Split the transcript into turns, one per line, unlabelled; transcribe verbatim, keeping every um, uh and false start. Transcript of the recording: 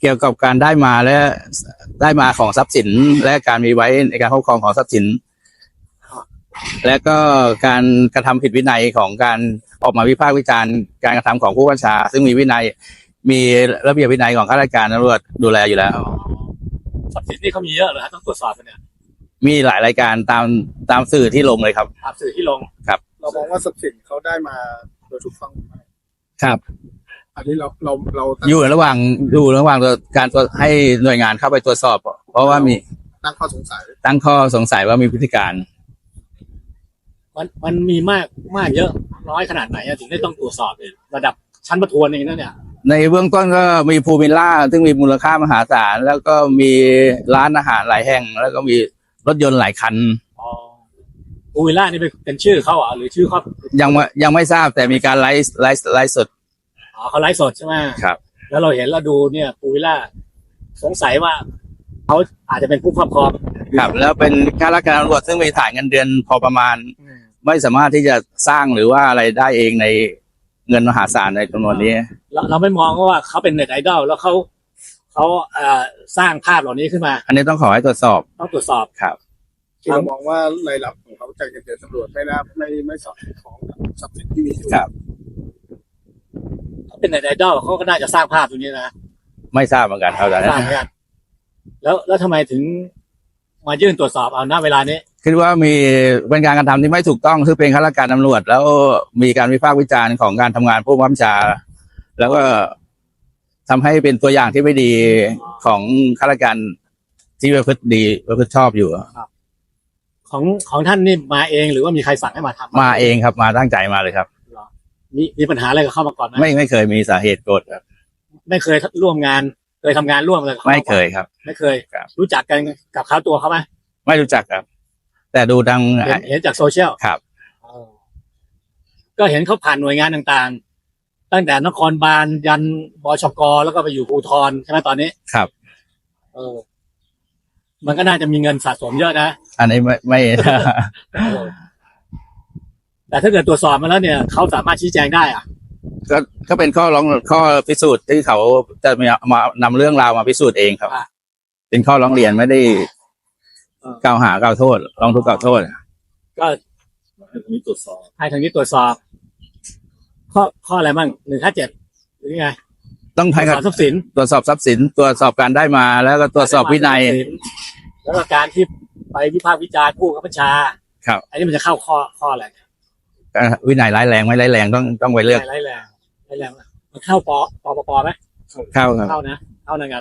เกี่ยวกับการได้มาและได้มาของทรัพย์สินและการมีไว้ในการครอบครองของทรัพย์สิน และก็การกระทำผิดวินัยของการออกมาวิพากษ์วิจารณ์การกระทำของผู้บัญชาซึ่งมีวินัยมีระเบียบวินัยของข้าราชการตำรวจดูแลอยู่แล้ว
ทรัพย์สินนี่เขามีเยอะเลยฮะต้องตรวจสอบกันเนี่ย
มีหลายรายการตามตามสื่อที่ลงเลยครับ
ตามสื่อที่ลง
ครับ
เรามองว่าทรัพย์สินเขาได้มาโดยถูกต้องไหม
ครับ
อันนี้เราเราเรา
อยู่ระหว่างอยู่ระหว่างการให้หน่วยงานเข้าไปตรวจสอบเพราะว่ามี
ตั้งข้อสงสัย
ตั้งข้อสงสัยว่ามีพฤติการ
มันมันมีมากมากเยอะน้อยขนาดไหนถึงได้ต้องตรวจสอบเลยระดับชั้นประทวนเองนั่นเนี่ย
ในเบื้องต้นก็มีพูลวิลล่าซึ่งมีมูลค่ามหาศาลแล้วก็มีร้านอาหารหลายแห่งแล้วก็มีรถยนต์หลายคัน
อ๋อพูลวิลล่านี่เป็นชื่อเขาอ่ะหรือชื่อเขา
ยังยังไม่ทราบแต่มีการไลฟ์ไลฟ์ไลฟ์สด
อ๋อเขาไลฟ์สดใช่ไหม
ครับ
แล้วเราเห็นเราดูเนี่ยพูลวิลล่าสงสัยว่าเขาอาจจะเป็นผู้ครอบครอง
ครับแล้วเป็นข้าราชการตำรวจซึ่งมีฐานเงินเดือนพอประมาณไม่สามารถที่จะสร้างหรือว่าอะไรได้เองในเงินมหาศาลในจำนวนนี้
เราเราไม่มองว่าเขาเป็นเน็ตไอดอลแล้วเขาเขาเอ่อสร้างภาพเหล่านี้ขึ้นมา
อันนี้ต้องขอให้ตรวจสอบ
ต้องตรวจสอบ
ครับ
เรามองว่ารายรับของเขาจากเงินเดือนตำรวจไม่น่าไม่ไม่สอดคล้องกับทรัพย์สินที่มีอยู่
ครับ
เป็นเน็ตไอดอลเขาก็น่าจะสร้างภาพตรงนี้นะ
ไม่ทราบเหมือนกันเท่าไหร่
ทราบเหมือนกันแล้วแล้วทำไมถึงมายื่นตรวจสอบเอาณเวลานี้
คิดว่ามีเป็นการกระทำที่ไม่ถูกต้องซึ่งเป็นข้าราชการตำรวจแล้วมีการวิพากษ์วิจารณ์ของการทำงานผู้บังคับบัญชาแล้วก็ทำให้เป็นตัวอย่างที่ไม่ดีของข้าราชการที่ประพฤติดีประพฤติชอบอยู่
ของของท่านนี่มาเองหรือว่ามีใครสั่งให้มาทำ
มาเองครับมาตั้งใจมาเลยครับ
มีมีปัญหาอะไรกับเข้ามาก่อนไหม
ไม่ไม่เคยมีสาเหตุโกรธครับ
ไม่เคยร่วมงานเคยทำงานร่วมเลย
ไม่เคยครับ
ไม่เคยรู้จักกันกับเขาตัวเขาไหม
ไม่รู้จักครับแต่ดูดัง
เห็นจากโซเชียล
ครับ
ก็เห็นเขาผ่านหน่วยงานต่างๆตั้งแต่นครบาลยันบชกแล้วก็ไปอยู่ภูธรใช่ไหมตอนนี้
ครับ
เออมันก็น่าจะมีเงินสะสมเยอะนะ
อันนี้ไม่ไม่
แต่ถ้าเกิดตรวจสอบมาแล้วเนี่ยเขาสามารถชี้แจงได้อ่ะ
ก็ก็เป็นข้อร้องข้อพิสูจน์ที่เขาจะมามานำเรื่องราวมาพิสูจน์เองครับเป็นข้อร้องเรียนไม่ได้กล่าวหากล่าวโทษร้องทุกข์กล่าวโทษ
ก็ให้ทางนี้ตรวจสอบให้ทางนี้ตรวจสอบข้อข้ออะไรบ้างหนึ่งห้าเจ็ดหรือไง
ต้อง
ตรวจสอบทรัพย์สิน
ตรวจสอบทรัพย์สินตรวจสอบการได้มาแล้วก็ตรวจสอบวินัย
แล้วก็การที่ไปวิพากษ์วิจารณ์ผู้บัญชา
ครับ
อันนี้มันจะเข้าข้อข้ออะไร
วินัยร้ายแรงไม่ร้ายแรงต้องต้องไปเลือก
ร้ายแรงร้ายแรงมันเข้าปปปไหม
เข้าครับ
เข้านะเข้าในงาน